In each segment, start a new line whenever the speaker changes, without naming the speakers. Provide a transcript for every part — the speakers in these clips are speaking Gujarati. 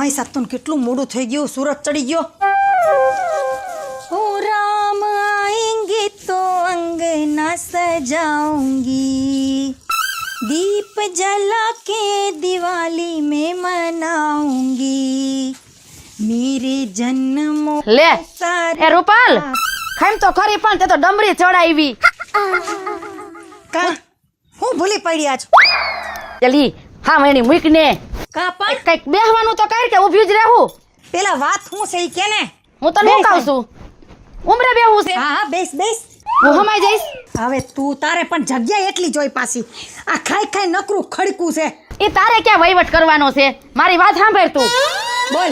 માય સાતન કેટલું મોડું થઈ ગયું, સુરત ચડી ગયો। ઓ રામ આएंगे तो अंगना सजाऊंगी, दीप जला के दिवाली में मनाऊंगी, मेरे जन्मों
લે
सारे
એ રૂપાલ ખાઈમ તો ખરી પણ તે તો ડમરી ચડાવી
કા હું ભૂલી પડી આજ
ચલી હા મેણી મૂક ને
કા પણ
કઈક બેહવાનું તો કર કે ઊભી જ રહેવું
પેલા વાત હું છે ઈ કે ને
હું તને શું કહું છું ઉમરે બેહવું છે
હા હા બેસ બેસ
હું હમાઈ જઈશ
હવે તું તારે પણ જગ્યા એટલી જોઈ પાછી આ ખાઈ ખાઈ નકરું ખડકું છે
એ તારે ક્યાં વહીવટ કરવાનો છે મારી વાત સાંભળ તું
બોલ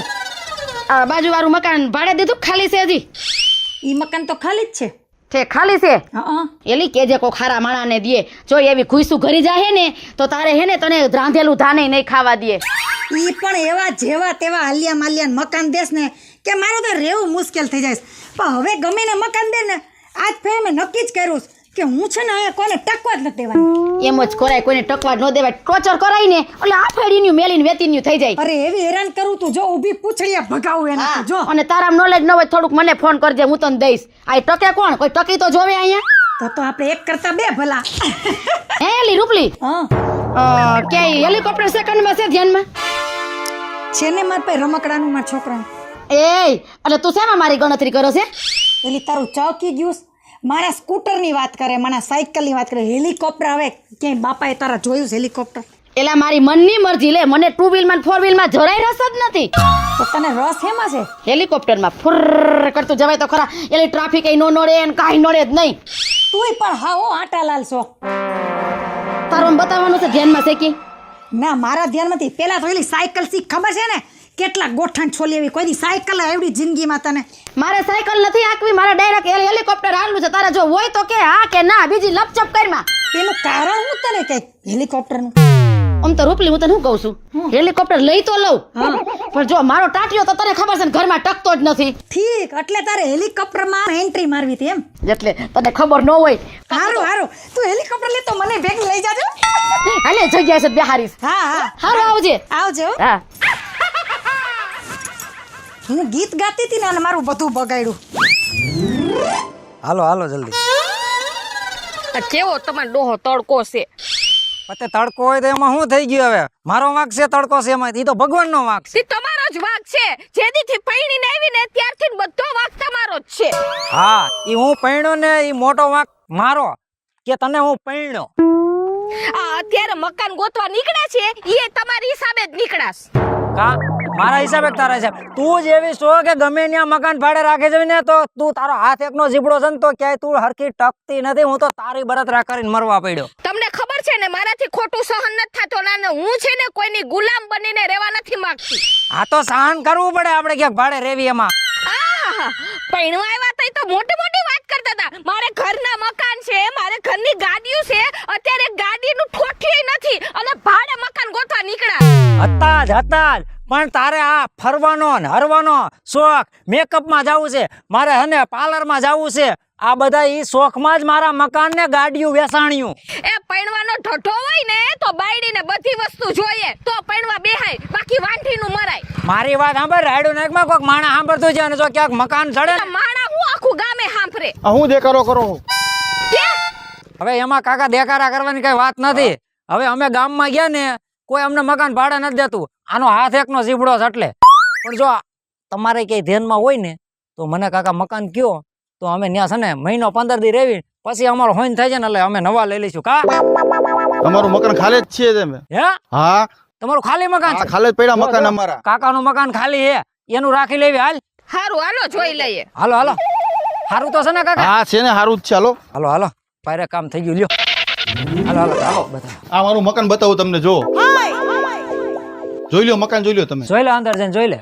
આ બાજુવાળું મકાન ભાડે દીધું ખાલી છે હજી
ઈ મકાન તો ખાલી જ છે
છે ખાલી છે
હા
એલી કેજે કો ખારા માણાને દે જો એવી ખુઈસું ઘરી જાય ને તો તારે હે ને તને રાંધેલું ધાને નહીં ખાવા દે
ઈ પણ એવા જેવા તેવા હાલિયા માલિયા મકાન દેસ ને કે મારે તો રહેવું મુશ્કેલ થઈ જાય પણ હવે ગમે ને મકાન દે ને આજ ફેર મેં નક્કી જ કર્યું કે હું છે ને અહીંયા કોઈને ટકવા જ નથી દેવાની
એમ જ કરાય કોઈને ટકવા ન દેવાય ટોચર કરાય ને એટલે આ ફેડીનું મેલીને વેતીનું થઈ જાય
અરે એવી હેરાન કરું તું જો ઊભી પૂછડીયા ભગાવું એના તું જો
અને તારા નોલેજ ન હોય થોડુંક મને ફોન કરજે હું તને દઈશ આ ટકે કોણ કોઈ ટકી તો જોવે અહીંયા
તો આપણે એક કરતા બે ભલા
હે એલી રૂપલી
હા
કે હેલિકોપ્ટર સેકન્ડમાં છે ધ્યાનમાં
છે ને માર પાસે રમકડાનું મારા છોકરાનું
એ એટલે તું શેમાં મારી ગણતરી કરો છે
પેલી તારું ચોકી ગયું મારા સ્કૂટરની વાત કરે મારા સાયકલની વાત કરે હેલિકોપ્ટર હવે ક્યાંય બાપાએ તારા જોયું છે હેલિકોપ્ટર
એલા મારી મનની મરજી લે મને 2 વ્હીલમાં 4 વ્હીલમાં જરાય રસ જ નથી
તો તને રસ હેમાં છે
હેલિકોપ્ટરમાં ફુર કરતું જવાય તો ખરા એલી ટ્રાફિક નો નડે ને કાંઈ નડે જ નહીં
તુંય પણ હા હો આટાલાલ છો
તારું બતાવવાનું છે ધ્યાનમાં છે કે
ના મારા ધ્યાનમાંથી પેલા તો એલી સાયકલ શીખ ખબર છે ને કેટલા ગોઠણ છોલી એવી કોઈ દી સાયકલ એવડી જિંદગીમાં તને
મારે સાયકલ નથી હાંકવી મારે ડાયરેક્ટ હેલિકોપ્ટર હાલવું છે તારે જો હોય તો કે હા કે ના બીજી લપચપ કરમાં
એનું કારણ હું તને કઈ હેલિકોપ્ટરનું
આમ તો રૂપલી હું તને શું કહું છું હેલિકોપ્ટર લઈ તો લઉં પણ જો મારો ટાટિયો તો તને ખબર છે ને ઘરમાં ટકતો જ નથી
ઠીક એટલે તારે હેલિકોપ્ટરમાં એન્ટ્રી મારવી હતી એમ
એટલે તને ખબર ન હોય
હારું હારું તું હેલિકોપ્ટર લે તો મને ભેગી લઈ જાજો
હાલે જગ્યા છે બેહારીશ
હા હા
હારું આવજે
આવજો
હા
હું ગીત ગાતી હતી ને અને મારું બધું બગાડ્યું
હાલો હાલો જલ્દી
કેવો તમારો ડોહો તડકો છે
પતે તડકો હોય તો એમાં શું થઈ ગયું હવે મારો વાંક છે તડકો છે એમાં ઈ તો ભગવાનનો વાંક છે
તે તમારો જ વાંક છે જેદીથી પૈણીને આવી ને ત્યારથી બધો વાંક તમારો જ છે
હા ઈ હું પૈણ્યો ને ઈ મોટો વાંક મારો કે તને હું પૈણ્યો
આ અત્યારે મકાન ગોતવા નીકળ્યા છે એ તમારી હિસાબે જ નીકળાશ
કા મારા હિસાબે કે તારા હિસાબ તું જ એવી છો કે ગમે ત્યાં મકાન ભાડે રાખે છે ને તો તું તારો હાથ એકનો જીબડો છે ને તો ક્યાંય તું હરખી ટકતી નથી હું તો તારી બળતરા કરીને મરવા પડ્યો
તમને ખબર છે ને મારાથી ખોટું સહન નથી થતો ને હું છે ને કોઈની ગુલામ બનીને રહેવા નથી માંગતી
આ તો સહન કરવું પડે આપણે ક્યાંક ભાડે રેવી એમાં
પૈણવા આવ્યા તઈ તો મોટી મોટી વાત કરતા હતા મારે ઘરના મકાન છે મારે ઘરની ગાડીઓ છે અત્યારે ગાડીનું ઠોઠિયું નથી અને ભાડે મકાન ગોતવા નીકળ્યા
હતા જ પણ તારે આ ફરવાનો ને હરવાનો શોખ મેકઅપમાં જવું છે મારે હને પાર્લરમાં જવું છે આ બધા ઈ શોખમાં જ મારા મકાન ને ગાડીયું વેસાણ્યું
એ પૈણવાનો ઢઢો હોય ને તો બાયડીને બધી વસ્તુ જોઈએ તો પૈણવા બેહાય બાકી વાંઠીનું મરાય
મારી વાત સાંભળ રાયડું નાકમાં કોઈક માણા સાંભળતું છે અને જો ક્યાંક મકાન ચડે
તો માણા હું આખું ગામે સાંભળે
હું દેખાડો કરો
હવે એમાં કાકા દેખાડા કરવાની કઈ વાત નથી હવે અમે ગામમાં ગયા ને કોઈ અમને મકાન ભાડે નથી દેતું આનો હાથ એકનો ઝીબડો છે એટલે પણ જો તમારે કઈ ધ્યાનમાં હોય ને તો મને કાકા મકાન કયો તો અમે ત્યાં છે ને મહિનો 15 દી રેવી પછી અમારો હોઈન થાય છે ને એટલે અમે નવા લઈ લઈશું કા
અમારું મકાન ખાલી જ છે તમે
હે
હા
તમારું ખાલી મકાન છે
ખાલી જ પડ્યા મકાન અમારા
કાકાનું મકાન ખાલી હે એનું રાખી લેવી હાલ
હારું હાલો જોઈ લઈએ
હાલો હાલો સારું તો છે ને કાકા
હા છે ને સારું જ છે હાલો
હાલો હાલો પાયરે કામ થઈ ગયું લ્યો હાલો હાલો હાલો બધા
આ મારું મકાન બતાવું તમને જો જોઈ લ્યો મકાન જોઈ લ્યો તમે
જોઈ લે અંદર જઈને જોઈ લે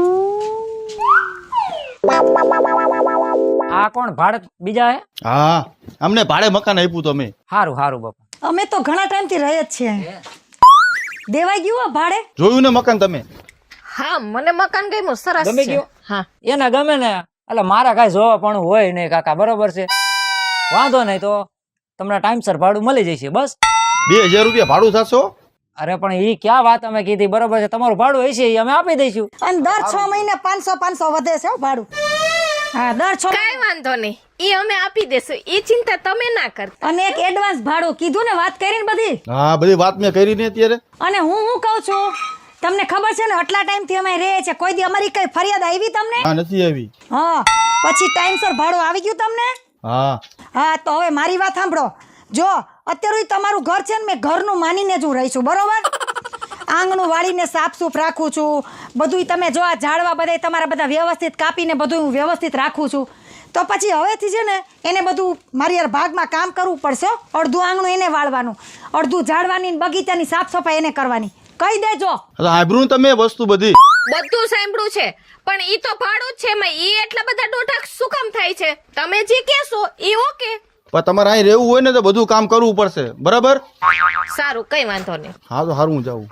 આ કોણ ભાડે બીજા હે
હા અમને ભાડે મકાન આપ્યું તમે
હારું હારું બાપા
અમે તો ઘણા ટાઈમથી રહે જ છીએ દેવાઈ ગયું હો ભાડે
જોયું ને મકાન તમે
હા મને મકાન ગમ્યું સરસ
ગમી
છે
ગયું
હા
એને ગમે ને એટલે મારા કાંઈ જોવા પણ હોય નહીં કાકા બરોબર છે વાંધો નહીં તો તમને ટાઈમસર ભાડું મળી જશે બસ
2000 રૂપિયા ભાડું થશો
અરે પણ ઈ ક્યાં વાત અમે કીધી, બરોબર છે, તમારું ભાડું હશે ઈ અમે આપી દઈશું.
અને દર 6 મહિને 500 વધે છે હો ભાડું. હા, દર 6
કાઈ વાંધો નહીં, ઈ અમે આપી દેશું, ઈ ચિંતા તમે ના કરતા.
અને એક એડવાન્સ ભાડું કીધું ને, વાત કરીને બધી.
હા બધી વાત મેં કરી ને અત્યારે.
અને હું કહું છું, તમને ખબર છે ને આટલા ટાઈમથી અમે રહે છે, કોઈ દી અમારી કઈ ફરિયાદ આવી તમને?
હા નથી આવી.
હા, પછી ટાઈમસર ભાડું આવી ગયું તમને?
હા
હા, તો હવે મારી વાત સાંભળો. જો અત્યારે તમારું ઘર છે ને, મેં ઘરનું માનીને જ હું રહી છું, બરોબર? આંગણું વાળીને સાફસૂફ રાખું છું, બધું તમે જો આ ઝાડવા બધા તમારા બધા વ્યવસ્થિત કાપીને બધું હું વ્યવસ્થિત રાખું છું. તો પછી હવેથી છે ને એને બધું મારી યાર ભાગમાં કામ કરવું પડશે. અડધું આંગણું એને વાળવાનું, અડધું ઝાડવાની ને બગીચાની સાફ સફાઈ એને કરવાની. કહી દેજો.
સાંભળ્યું ને તમે વસ્તુ બધી?
બધું સાંભળ્યું છે, પણ ઈ તો ભાડું જ છે, એમાં ઈ એટલા બધા દોઢાક શું કામ થાય છે? તમે જે કહેશો ઈ ઓકે.
પણ તમારે અહીં રહેવું હોય ને તો બધું કામ કરવું પડશે, બરાબર?
સારું, કઈ વાંધો નહીં.
હા તો સારું, હું જાઉં.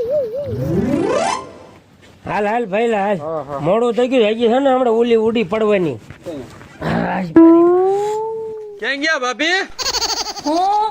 હાલ હાલ ભાઈ હાલ, મોડું થઈ ગયું, હજી છે ને હમણાં ઓલી ઉડી પડવાની.
ક્યાં ગયા ભાભી?
હું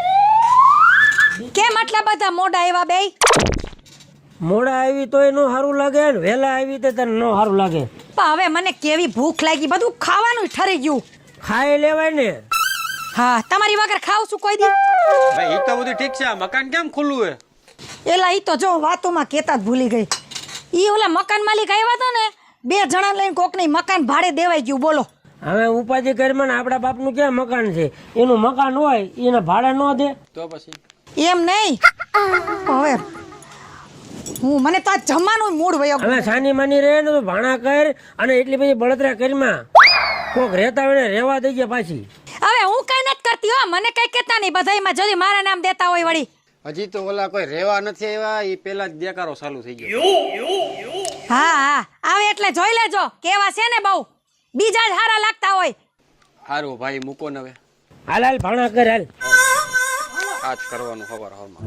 કેમ આટલા બધા મોઢા એવા બે?
મોડા આવી તોય નો સારું લાગે ને વહેલા આવી તો તને નો સારું લાગે.
પણ હવે મને કેવી ભૂખ લાગી, બધું ખાવાનું ઠરી ગયું.
ખાઈ લેવાય ને.
હા, તમારી વગર ખાવ છું કોઈ દી?
ભાઈ ઈ તો બધું ઠીક છે, આ મકાન કેમ ખુલ્લું હે?
એલા ઈ તો જો વાતોમાં કેતા જ ભૂલી ગઈ. ઈ ઓલા મકાન માલિક આવ્યા હતા ને, 2 જણા લઈને કોકની મકાન ભાડે દેવાઈ ગયું. બોલો
હવે ઉપાધિ કરીમાં આપણા બાપનું ક્યાં મકાન છે? એનું મકાન હોય એને ભાડે ન દે
તો પછી
એમ નહીં. હવે હું મને તો આ જમવાનું મૂડ વયો.
હવે સાની માની રહે ને તો ભાણા કર અને એટલી બધી બળતરા કરીમાં કોક રહેતા હોય ને રહેવા દઈ ગયા પાછી.
હવે હું કઈ નથી કરતી હો, મને કઈ કેતા નહીં. બધાયમાં જલ્દી મારા નામ દેતા હોય વળી.
હજી તો ઓલા કોઈ રહેવા નથી આવ્યા, ઈ પેલા જ દેકારો ચાલુ થઈ ગયો.
હા હા, આવે એટલે જોઈ લેજો કેવા છે ને, બહુ બીજા જ હારા લાગતા હોય.
હારું ભાઈ મૂકો ને હવે,
હાલ હાલ ભાણા કર હાલ.
આજ કરવાનું ખબર હવામાં.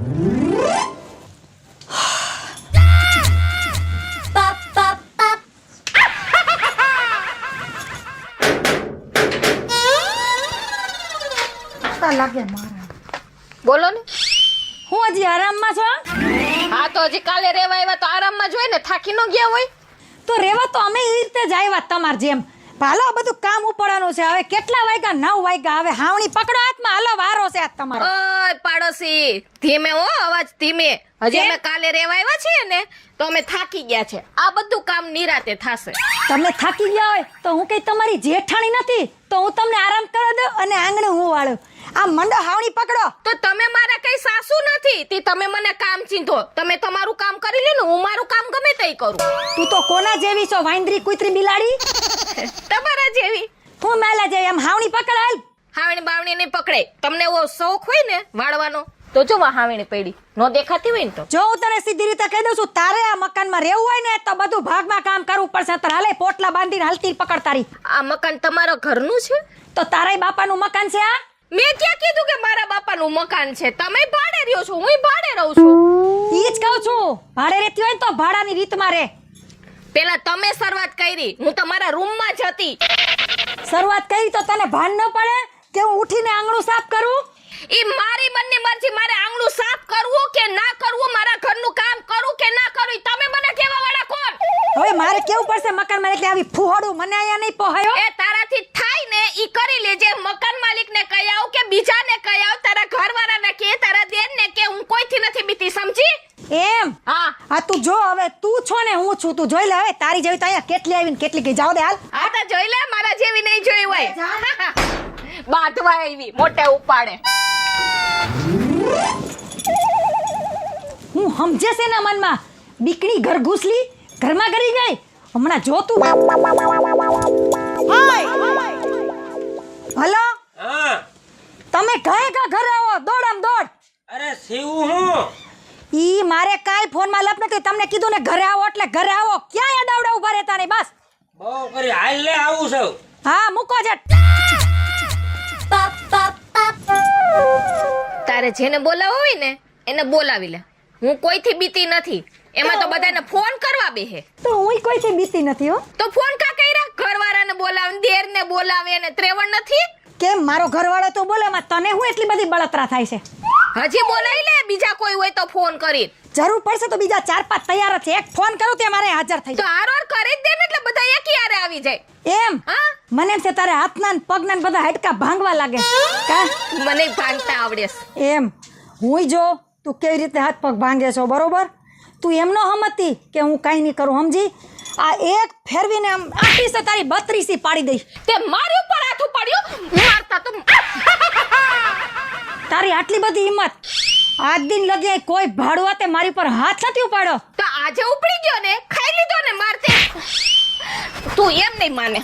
લાગે મારા.
બોલો ને.
હું હજી આરામમાં છો?
હા, તો હજી કાલે રેવા આવ્યા તો આરામમાં જ હોય ને, થાકી ન ગયા હોય
તો રેવા તો અમે એ રીતે જ આવ્યા તમાર જેમ. હાલો બધું કામ ઉપડવાનું છે. હવે કેટલા વાગ્યા? 9 વાગ્યા. હવે હાવણી પકડો હાથમાં, હાલો વારો છે આજ તમારો.
ઓય પાડોશી, ધીમે હો, અવાજ ધીમે. હજી અમે કાલે રેવા આવ્યા છીએ ને તો અમે થાકી ગયા છે. આ બધું કામ નિરાતે થાશે.
તમે થાકી ગયા હોય તો હું કઈ તમારી જેઠાણી નથી, તો હું તમને આરામ કરવા દઉં અને આંગણે હું વાળું. આ મંડો હાવણી પકડો.
તો તમે મારા કઈ સાસુ નથી તે તમે મને કામ ચીંધો. તમે તમારું કામ કરી લ્યો ને, હું મારું કામ ગમે તે કરું.
તું તો કોના જેવી છો? વાંદરી કૂતરી બિલાડી?
તમારા જેવી.
હું મેલા જેવી. આમ હાવણી પકડ હાલ.
હાવણી બાવણી નહીં પકડે. તમને એવો શોખ હોય ને વાળવાનો તો જો હાવણી પડી નો દેખાતી હોય ને તો
જો હું તને સીધી રીતે કહી દઉં છું, તારે આ મકાનમાં રહેવું હોય ને તો બધું ભાગમાં કામ કરવું પડશે. તો હાલે પોટલા બાંધીને હાલતી પકડ તારી.
આ મકાન તમારા ઘરનું છે?
તો તારાય બાપાનું મકાન છે આ?
મેં ક્યાં કીધું કે મારા બાપાનું મકાન છે? તમે ભાડે રહ્યો છો, હું ભાડે રહું છું.
ઈ જ કહું છું, ભાડે રહેતી હોય ને તો ભાડાની રીતમાં રહે.
પેલા તમે શરૂઆત કરી, હું તમારા રૂમમાં જ હતી.
શરૂઆત કરી તો તને ભાન ન પડે કે હું ઉઠીને આંગણું સાફ કરું?
ઈ મારી બંને મરજી. મારે આંગણું સાફ કરવું કે ના કરવું, મારા ઘરનું કામ કરું કે ના કરું, ઈ તમે મને કહેવા વાળા કોણ?
હવે મારે કેવું પડશે મકાનમાં, એટલે આવી ફુહાડું મને અહીંયા નહીં પોહાયો.
એ તારાથી થાય ને ઈ કરી લેજે. મકાન માલિકને કહી આવ કે બીજાને કહી આવ, તારા ઘરવાળાને કે, તારા દેરને કે, હું કોઈથી નથી બીતી, સમજી?
એમ?
હા
હા, તું જો હવે તું છો ને હું છું, તું જોઈ લે. હવે તારી જેવી તો અહીંયા કેટલી આવીને કેટલી ગઈ. જાવ દે હાલ.
આ તો જોઈ લે, મારા જેવી નહીં જોઈ હોય. બાંધવા આવી મોટે ઉપાડે.
હું સમજે છે ને મનમાં, બીકણી ઘર ઘૂસલી ઘરમાં કરી ગઈ. હમણાં જો તું. હલો,
હા
તમે ઘરે ઘરે આવો, દોડ આમ દોડ.
અરે શિવું હું
ઈ મારે કાંઈ ફોનમાં લપ નથી. તમને કીધું ને ઘરે આવો એટલે ઘરે આવો. ક્યાં અડાવડા ઉભા રહેતા નહીં. બસ
બહુ કરી હાલ લે આવું છું.
હા, મૂકો જટ.
તારે જેને બોલાવો હોય ને એને બોલાવી લે. હું કોઈથી બીતી નથી. એમાં તો બધાને ફોન કરવા બેહે.
તો હુંય કોઈથી બીતી નથી હો.
તો ફોન કા કર્યા? ઘરવાળાને બોલાવે, દેરને બોલાવે ને ત્રેવણ નથી.
કેમ મારો ઘરવાળો તો બોલે, માં તને હું એટલી બધી બળતરા થાય છે?
હજી બોલાવી લે, બીજા કોઈ હોય તો ફોન કરી.
જરૂર પડશે તો બીજા 4-5 તૈયાર જ છે. એક ફોન કરું તે મારે હાજર થઈ
તો આરોર કરી જ દે ને એટલે બધા એક યારે આવી જાય.
જાય એમ
હા
મને એમ છે તારે હાથના ને પગના ને બધા હાડકા ભાંગવા લાગે કા
મને ભાંગતા આવડે છે.
એમ હુંય જો તું કેવી રીતે હાથ પગ ભાંગે છો બરોબર તું એમ ન હમતી કે હું કાંઈ નહીં કરું સમજી આ એક ફેરવીને આમ આખી છે તારી 32 પાડી દઈશ
તે મારી ઉપર હાથ ઉપાડ્યો મારતા તો
તારી આટલી બધી હિંમત આજ દિન લગે કોઈ ભાડવા તે મારી પર હાથ નથી ઉપાડ્યો
તો આજે ઉપડી ગયો ને ખાઈ લીધો ને મારતે તું એમ નહીં માને.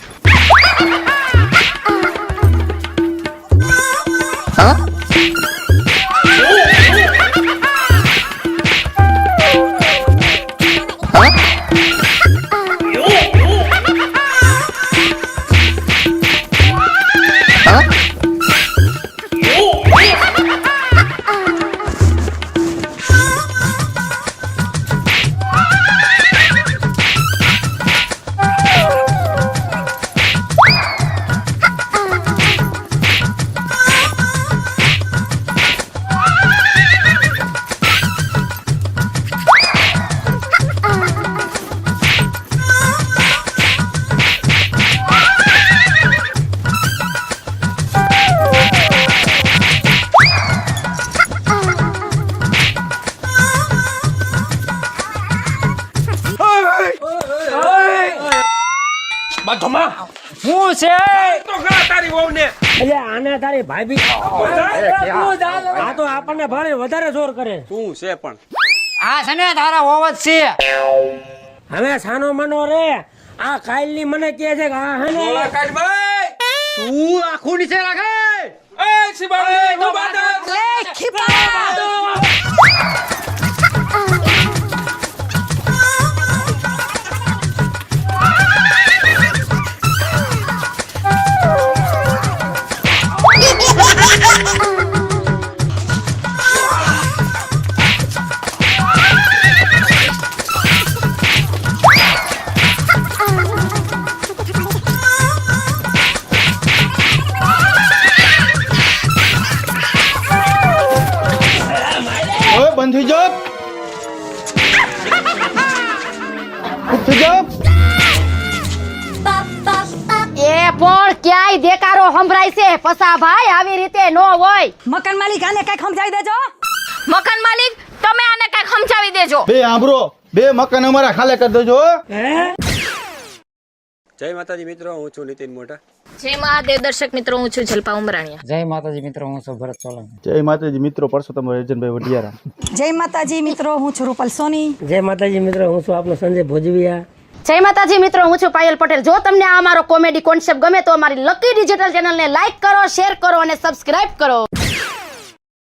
હું છે
એટલે આને તારી ભાભી આ તો આપણને ભારે વધારે જોર કરે.
શું છે પણ
આ છે ને તારા હોવ જ છે
હવે સાનો મનો રે આ કાલની મને કહે છે કે આ હે ને
તું આખું નીચે રાખે
લે ખીપા
ઓય બંધ થઈ જાઓ ચૂપ થઈ જાઓ
એ પણ ક્યાંય દેકારો સંભળાય છે પસા ભાઈ આવી રીતે નો હોય.
મકાન માલિક આને કઈક સમજાવી દેજો
મકાન માલિક તમે આને કઈક સમજાવી દેજો.
બે આંબરો બે મકાન અમારા ખાલે કરી દેજો હો.
જય માતાજી મિત્રો હું છું નીતિન મોટા.
જય મહાદેવ દર્શક મિત્રો હું છું જલપા ઉમરાણીયા.
જય માતાજી મિત્રો હું છું ભરત સોલંકી.
જય માતાજી મિત્રો પરસોત્તમ રજનભાઈ વઢિયારા.
જય માતાજી મિત્રો હું છું રૂપલ સોની.
જય માતાજી મિત્રો હું છું આપણો સંજય ભોજવિયા.
જય માતાજી મિત્રો હું છું પાયલ પટેલ. જો તમને આ અમારો કોમેડી કોન્સેપ્ટ ગમે તો અમારી લકી ડિજિટલ ચેનલને લાઈક કરો, શેર કરો અને સબસ્ક્રાઇબ કરો.